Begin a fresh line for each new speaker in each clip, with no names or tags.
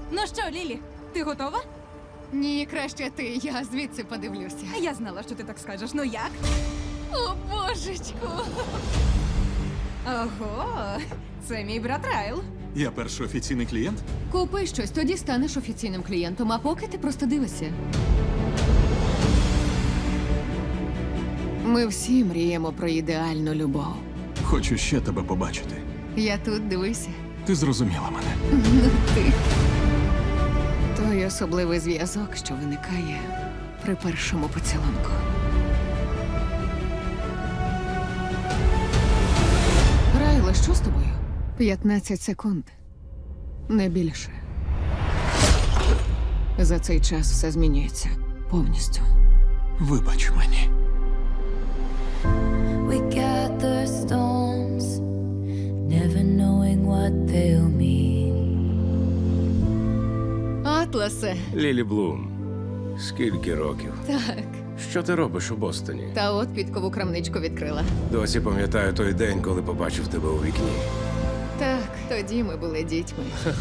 Ну що, Лілі, ти готова?
Ні, краще ти, я звідси подивлюся.
Я знала, що ти так скажеш. Ну як?
О, божечку!
Ого, це мій брат Райл.
Я перший офіційний клієнт?
Купи щось, тоді станеш офіційним клієнтом, а поки ти просто дивишся. Ми всі мріємо про ідеальну любов.
Хочу ще тебе побачити.
Я тут, дивися.
Ти зрозуміла мене.
Ну ти. Той особливий зв'язок, що виникає при першому поцілунку. Райле, що з тобою? 15 секунд. Не більше. За цей час все змінюється повністю.
Вибач мені.
We gather stones, never knowing what they'll mean.
Атласе.
Лілі Блум, скільки років?
Так.
Що ти робиш у Бостоні?
Та от підкову крамничку відкрила.
Досі пам'ятаю той день, коли побачив тебе у вікні.
Так, тоді ми були дітьми.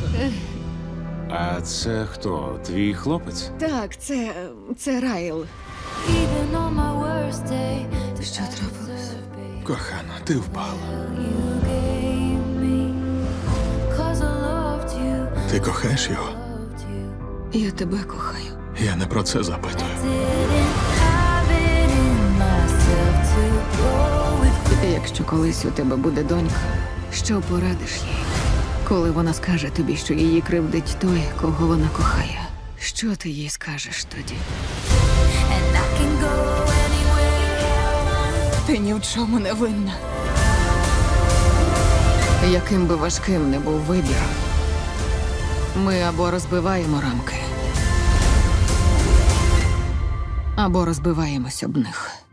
А це хто? Твій хлопець?
Так, це Райл.
Even on my worst day, the
Що трапилось?
Кохана, ти впала.
you gave me. 'Cause I loved you,
Ти кохаєш його?
loved you.
Я тебе кохаю.
Я не про це запитую.
Didn't have it in myself to go with.
Якщо колись у тебе буде донька, що порадиш їй? Коли вона скаже тобі, що її кривдить той, кого вона кохає, що ти їй скажеш тоді?
And I can go anywhere.
Ти ні в чому не винна.
Яким би важким не був вибір, ми або розбиваємо рамки, або розбиваємось об них.